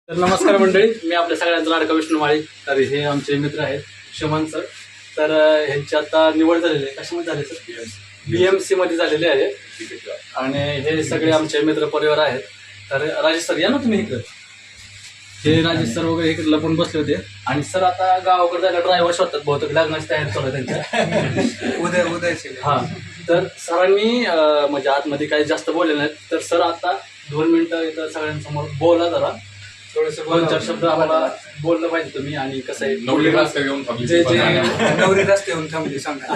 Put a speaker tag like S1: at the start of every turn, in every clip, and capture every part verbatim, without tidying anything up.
S1: तर नमस्कार मंडळी, मी आपल्या सगळ्यांचा लाडका विष्णू माळी. तर हे आमचे मित्र आहेत शमन सर. तर ह्यांची आता निवड झालेली आहे. कशामध्ये झाले सर? बी एम सी मध्ये झालेले आहे. आणि हे सगळे आमचे मित्र परिवार आहेत. तर राजेश सर या ना तुम्ही इकडे. हे राजेश सर वगैरे इकडे लपून बसले होते. आणि सर आता गावाकडे जायला ड्रायव्हर शोधतात, बहुतेक लग्नाची तयारी चालू आहे त्यांच्या.
S2: उद्या उद्याचे
S1: हा, तर सरांनी म्हणजे आतमध्ये काही जास्त बोलले नाहीत. तर सर आता दोन मिनिटं इथं सगळ्यांसमोर बोला जरा. थोडेसे दोन चार शब्द आम्हाला बोललं पाहिजे तुम्ही. आणि कसं आहे,
S3: नवरी रस्ते घेऊन
S1: जे जे
S2: नवरी रस्ते येऊन थांबली सांगा.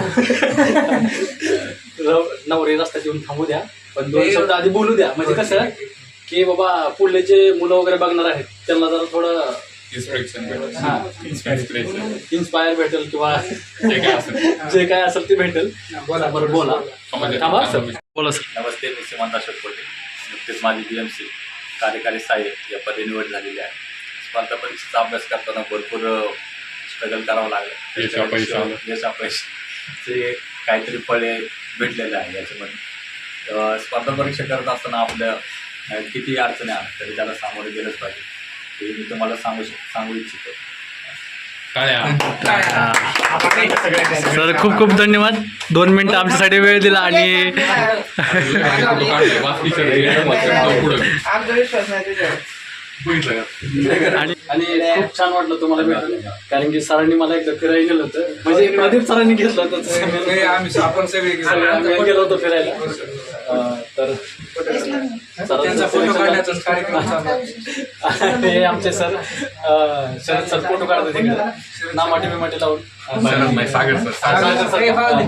S1: नवरी रस्त्यात येऊन थांबू द्या, पण दोन शब्द आधी बोलू द्या. म्हणजे कसं की बाबा पुढले जे मुलं वगैरे बघणार आहेत त्यांना जरा थोडं इन्स्पायर भेटेल किंवा जे काय असेल ते भेटेल.
S2: बोला
S1: बरं बोला. थांबा सर, बोला सर.
S4: नमस्ते, मी सीमांत अशोक कोटे. नुकतेच माझी बी एम सी कार्यकारी सहाय्यक या पदी निवड झालेली आहे. स्पर्धा परीक्षेचा अभ्यास करताना भरपूर स्ट्रगल करावं लागलं. यश अपयश ते काहीतरी फळे भेटलेले आहे याच्यामध्ये. स्पर्धा परीक्षा करत असताना आपल्या किती अडचणी आल्या तरी त्याला सामोरे गेलंच पाहिजे, हे मी तुम्हाला सांगू सांगू इच्छितो.
S1: सर खूप खूप धन्यवाद. दोन मिनिटं आमच्यासाठी वेळ दिला. आणि आणि आणि खूप छान वाटलं तुम्हाला भेटून, कारण की सरांनी मला एकदा फिरायला गेलं होतं. म्हणजे प्रदीप सरांनी घेतलं होतं.
S2: आम्ही आपण सगळे
S1: आम्ही गेलो होतो फिरायला. तर
S2: त्यांचा फोटो काढण्याचाच कार्यक्रम चालू आहे.
S1: हे आमचे सर शरद सर फोटो काढतात तिकडे नामाटी बिमाटी लावून.
S3: सागर सर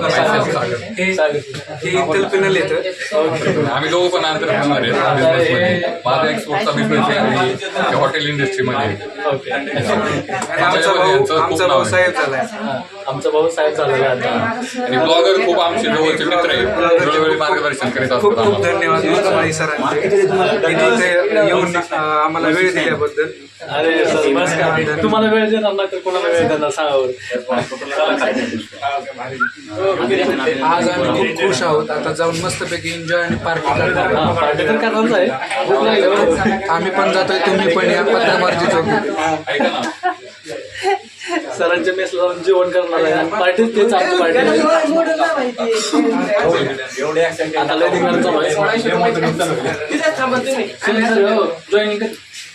S2: हे कल्पना येतं.
S3: आम्ही दोघं पण अंतर होणार आहे. माझा एक्सपोर्टचा बिझनेस आहे आणि हॉटेल इंडस्ट्रीमध्ये.
S1: ओके.
S2: आमचा भाऊ आमचा भाऊ साहेब झालाय.
S1: आमचा भाऊ साहेब झालेला आता.
S3: आणि ब्लॉगर खूप आमचे जवळचे मित्र आहेत, वेळोवेळी मार्गदर्शन करीत
S2: खूप
S3: असतात.
S2: खूप धन्यवाद मुस्तफाई सरांचे इथे येऊन आम्हाला वेळ दिल्याबद्दल.
S1: अरे सर बस का, तुम्हाला वेळ देणार नाही तर कोणाला वेळ देणार सांगावर.
S2: आज आम्ही खूप खुश आहोत. आता जाऊन मस्तपैकी एन्जॉय आणि पार्टी करणार.
S1: हा, पार्टी तर करणारच आहे. भूक लागली हो.
S2: आम्ही पण जातोय, तुम्ही पण या. पत्रमार्जी चौक.
S1: सरांच्या मेसला जाऊन जेवण करणार आहे. पार्टी तेच आमची पार्टी. आता लय दिवस चालू आहे. जॉईनिंग कर.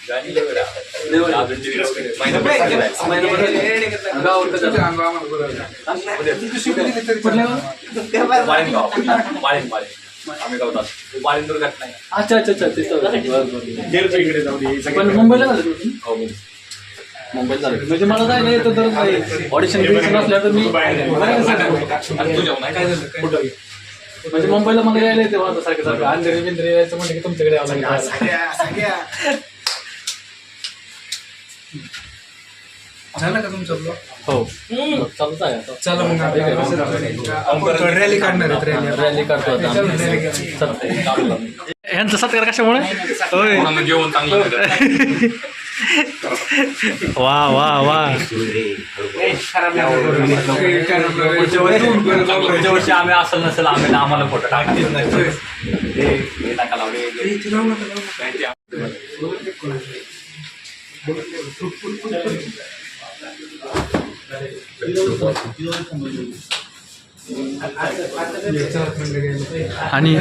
S4: वाळीन दुर्घटना.
S1: अच्छा अच्छा अच्छा तिथं. पण मुंबईला झालं तुम्ही? मुंबईत झालं म्हणजे मला जायला येतं तर ऑडिशन बिडिशन असल्या तर मी म्हणजे मुंबईला मला यायला येते माझं सारखं सारखं. अंधेरी बिंद्री यायचं म्हणजे की तुमच्याकडे यावं लागेल.
S2: झालं का तुमचं ब्लॉग?
S1: हो चालूच आहे आता.
S2: चला मग आपण रॅली काढणार आहेत. रॅली
S1: रॅली काढतो आता. ह्यांचा सत्कार कशामुळे? होय,
S3: जेवण चांगलं.
S1: वा वा वा.
S4: पुढच्या वर्षी आम्ही असेल नसेल आम्ही आम्हाला फोटो टाकतील नाही नका लावले.
S1: आणि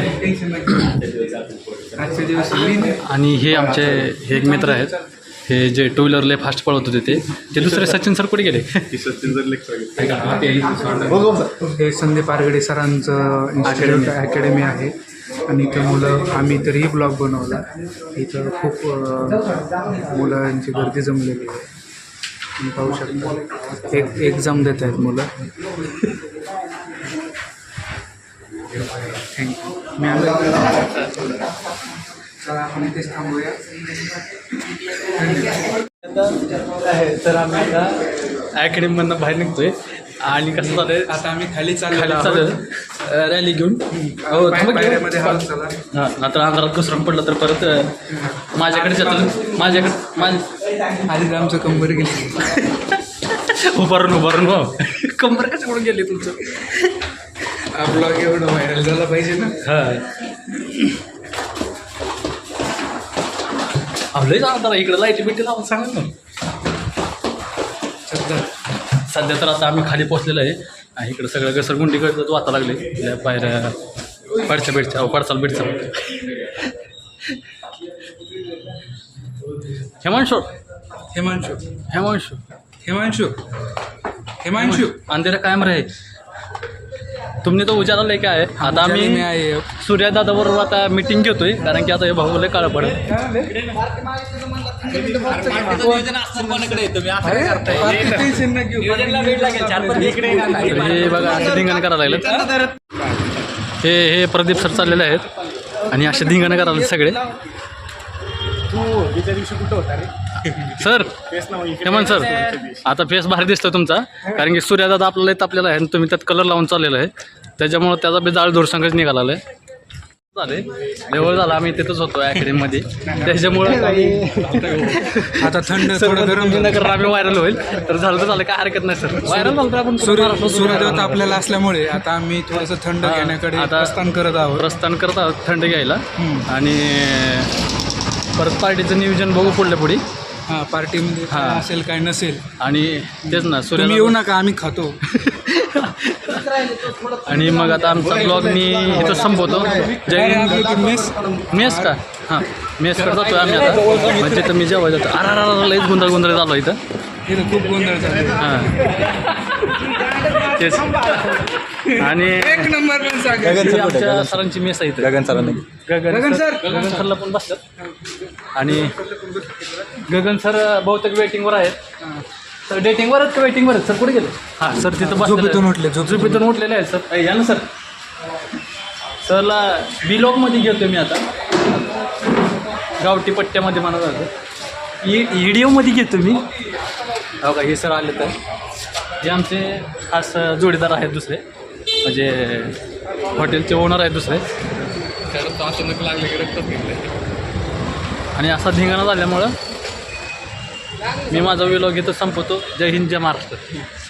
S2: आजच्या दिवशी
S1: आणि हे आमचे हे एक मित्र आहेत, हे जे टू व्हीलर लय फास्ट पळवत होते ते ते दुसरे सचिन सर कुठे गेले?
S2: हे संदीप आरगडे सरांचं इन्स्टिट्यूट अकॅडमी आहे. आणि इथं मुलं आम्ही तरीही ब्लॉग बनवला. इथं खूप मुलांची गर्दी जमलेली आहे. तुम्ही पाहू शकता एक एक्झाम देत आहेत मुलं. थँक्यू. मी आलो. चला आपण इथेच थांबूया.
S1: तर आम्ही आता अकॅडमीमधनं बाहेर निघतोय. आणि कसं झालंय,
S2: आता आम्ही खाली चाललो
S1: खाली
S2: आहोत.
S1: चालू रॅली घेऊन. हो
S2: पायऱ्यामध्ये हालत चला.
S1: हां, आता अंधारात घसरून पडलं तर परत माझ्याकडे जातं. माझ्याकडे माझ्या
S2: आधीच आमचं कंबर गेली.
S1: उभारून उभारून हो. कंबर कशाकडून गेली तुमचं?
S2: हा ब्लॉग एवढं व्हायरल झाला पाहिजे ना.
S1: हां अहो, लय जाणार जरा इकडे लाईटी बिटी लावून सांगा ना.
S2: सध्या
S1: सध्या तर आता आम्ही खाली पोचलेलो आहे आणि इकडं सगळं घसरगुंडीकडचं वाचा लागले त्या पायऱ्या पडच्या बेडच्या अहो पडचाल बेडचा हेमांशु
S2: हिमांशु
S1: हेमांशु
S2: हिमांशु हिमांशु
S1: अंधेरा कायम रहे. तुमने तो उजाला लेके आहे. आता
S2: उजाले में
S1: आम्ही
S2: आए.
S1: सूर्यदादा बरोबर आता मीटिंग घेतोय कारण की आता हे भाऊ लय काळं पडेल. हे बघा असे धिंगाणं करायला लागले. हे हे प्रदीप सर चाललेले आहेत आणि असे धिंगाणं करायला लागले सगळे. सर हेमंत सर आता फेस भारी दिसतो तुमचा कारण की सूर्यदादा आपल्याला येत आपल्याला आहे आणि तुम्ही त्यात कलर लावून चाललेला आहे त्याच्यामुळं त्याचा बी जाळ धुरसंगच निघाला आहे. झाले जवळ झाला आम्ही तिथंच होतो अकॅडमीमध्ये त्याच्यामुळं काही
S2: आता थंड थोडं गरम झालं.
S1: नगर आम्ही व्हायरल होईल तर झालं तर झालं काय हरकत नाही सर. व्हायरल झालं तर आपण
S2: सूर्य सूर्यदेवता आपल्याला असल्यामुळे आता आम्ही थोडंसं थंड
S1: हा,
S2: घेण्याकडे
S1: आता
S2: प्रस्थान करत आहोत.
S1: प्रस्थान करत आहोत थंड घ्यायला
S2: हम्म.
S1: आणि परत पार्टीचं नियोजन बघू पुढल्या पुढे.
S2: हा पार्टीमध्ये काय
S1: हा.
S2: असेल काय नसेल
S1: आणि तेच ना सूर्य
S2: तुम्ही येऊ नका आम्ही खातो.
S1: आणि मग आता आमचा ब्लॉग मी इथं संपवतो. जय
S2: काय रे
S1: हिंद.
S2: आपली ती मेस
S1: मेस का हां मेसकडे जातोय आम्ही आता म्हणजे तर मी जेव्हा जातो अरा अरा लईच गुंधळ गुंधळ झालो इथं.
S2: इथं खूप गोंधळ झाला.
S1: हां तेच आणि
S2: एक नंबर पण सांगा.
S1: ही आमच्या सरांची मेस आहे इथं.
S3: गगन सरांनी
S1: गगन
S2: गगन
S1: सर
S2: सर.
S1: गगन सरला पण बसतात आणि गगन सर बहुतेक वेटिंगवर आहेत. तर डेटिंगवर आहेत का वेटिंगवर आहेत सर कुठे गेले. हां सर तिथं बसलेले
S2: झोपेतून
S1: आहेत.
S2: उठले, झोपेतून.
S1: झोपेतून उठलेले आहेत सर. या ना सर सरला बिलॉगमध्ये घेतो मी आता गावठी पट्ट्यामध्ये म्हणत होतं ई व्हिडिओमध्ये घेतो मी. हो का हे सर आले तर जे आमचे खास जोडीदार आहेत दुसरे म्हणजे हॉटेलचे ओनर आहेत दुसरे.
S3: अचानक लागले की रक्तच घेतले.
S1: आणि असा धिंगाणा झाल्यामुळं मी माझा व्हिडिओ घेतो संपवतो. जय हिंद जय महाराष्ट्र.